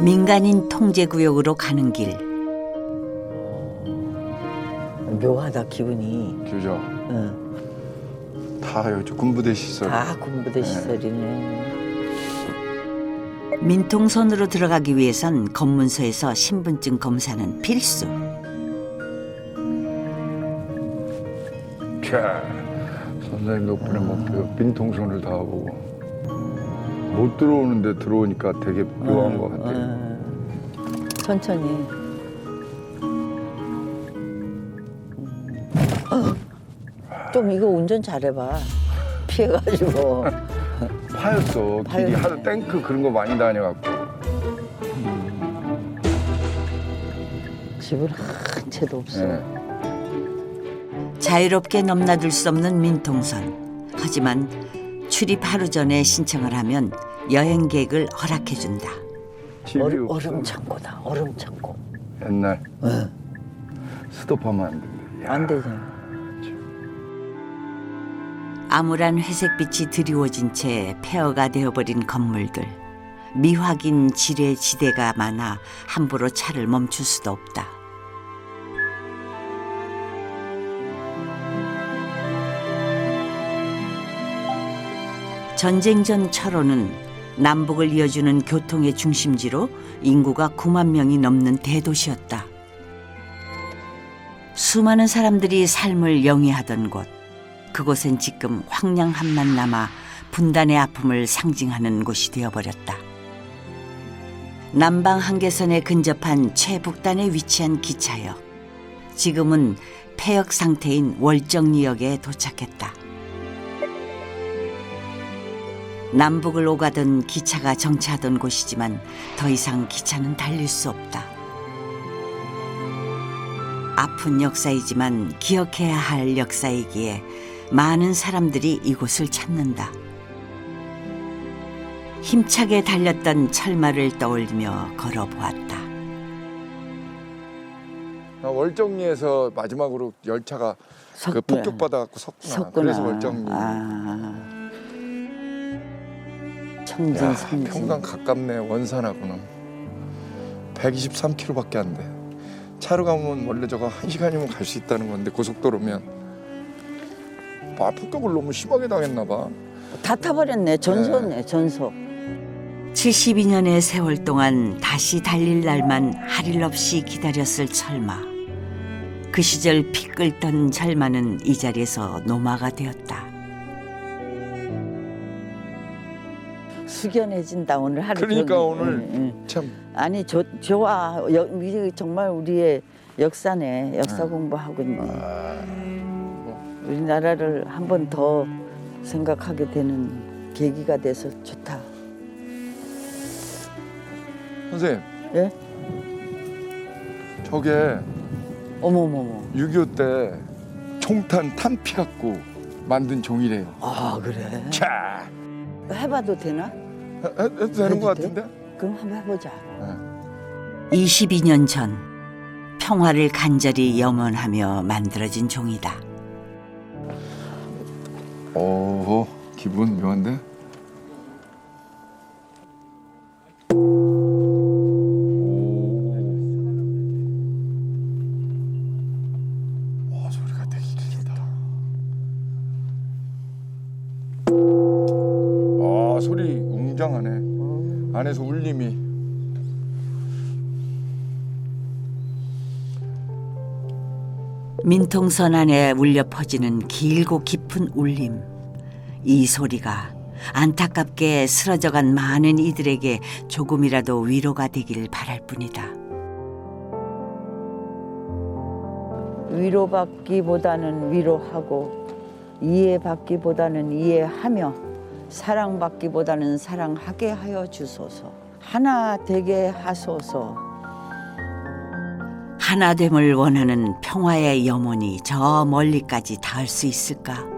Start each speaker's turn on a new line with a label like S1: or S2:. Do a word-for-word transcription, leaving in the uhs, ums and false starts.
S1: 민간인 통제구역으로 가는 길.
S2: 묘하다 기분이.
S3: 그죠?
S2: 응.
S3: 다 여기 군부대 시설.
S2: 다 군부대 시설이네.
S1: 민통선으로 들어가기 위해선 검문소에서 신분증 검사는 필수.
S3: 자, 선생님 덕분에 뭐 민통선을 다 보고 못 들어오는데 들어오니까 되게 묘한 것 같아요.
S2: 응. 천천히. 좀 이거 운전 잘해봐. 피해가지고.
S3: 파였어. 길이
S2: 파였네.
S3: 하도 탱크 그런 거 많이 다녀갖고.
S2: 집은 한 채도 없어.
S3: 네.
S1: 자유롭게 넘나들 수 없는 민통선. 하지만 출입 하루 전에 신청을 하면 여행객을 허락해준다.
S3: 집이
S2: 얼음,
S3: 없어.
S2: 얼음 창고다. 얼음 창고.
S3: 옛날
S2: 응.
S3: 스톱하면 안 된대. 야,
S2: 안 되잖아.
S1: 암울한 회색빛이 드리워진 채 폐허가 되어버린 건물들. 미확인 지뢰 지대가 많아 함부로 차를 멈출 수도 없다. 전쟁 전 철원은 남북을 이어주는 교통의 중심지로 인구가 구만 명이 넘는 대도시였다. 수많은 사람들이 삶을 영위하던 곳. 그곳엔 지금 황량함만 남아 분단의 아픔을 상징하는 곳이 되어버렸다. 남방 한계선에 근접한 최북단에 위치한 기차역. 지금은 폐역 상태인 월정리역에 도착했다. 남북을 오가던 기차가 정차하던 곳이지만 더 이상 기차는 달릴 수 없다. 아픈 역사이지만 기억해야 할 역사이기에 많은 사람들이 이곳을 찾는다. 힘차게 달렸던 철마를 떠올리며 걸어보았다.
S3: 아, 월정리에서 마지막으로 열차가
S2: 석-
S3: 그 폭격받아갖고 섰구나.
S2: 섰구나.
S3: 그래서 월정리.
S2: 아.
S3: 야,
S2: 청진 삼진.
S3: 평강 가깝네. 원산하고는 백이십삼 킬로미터밖에 안 돼. 차로 가면 원래 저거 한 시간이면 갈 수 있다는 건데 고속도로면 아, 폭격을 너무 심하게 당했나 봐.
S2: 다 타버렸네. 전소네. 전소.
S1: 칠십이 년의 세월 동안 다시 달릴 날만 할 일 없이 기다렸을 철마. 그 시절 피 끓던 철마는 이 자리에서 노마가 되었다.
S2: 숙연해진다 오늘 하루
S3: 그러니까
S2: 종일.
S3: 오늘
S2: 응, 응.
S3: 참
S2: 아니 저, 좋아. 여, 이게 정말 우리의 역사네. 역사
S3: 응.
S2: 공부하고 있네.
S3: 아,
S2: 우리나라를 한 번 더 생각하게 되는 계기가 돼서 좋다.
S3: 선생님
S2: 예?
S3: 저게
S2: 어머머머.
S3: 육이오 때 총탄 탄피 갖고 만든 종이래요.
S2: 아 그래?
S3: 자,
S2: 해봐도 되나?
S3: 해- 해도 되는 것
S2: 해도 돼?
S3: 같은데?
S2: 그럼 한번 해보자.
S1: 이십이 년 전 평화를 간절히 염원하며 만들어진 종이다.
S3: 오, 기분 묘한데? 오. 와, 소리가 되게 길다. 아, 소리 웅장하네. 안에서 울림이.
S1: 민통선 안에 울려 퍼지는 길고 깊은 울림. 이 소리가 안타깝게 쓰러져간 많은 이들에게 조금이라도 위로가 되길 바랄 뿐이다.
S2: 위로받기보다는 위로하고 이해받기보다는 이해하며 사랑받기보다는 사랑하게 하여 주소서. 하나 되게 하소서.
S1: 하나됨을 원하는 평화의 염원이 저 멀리까지 닿을 수 있을까?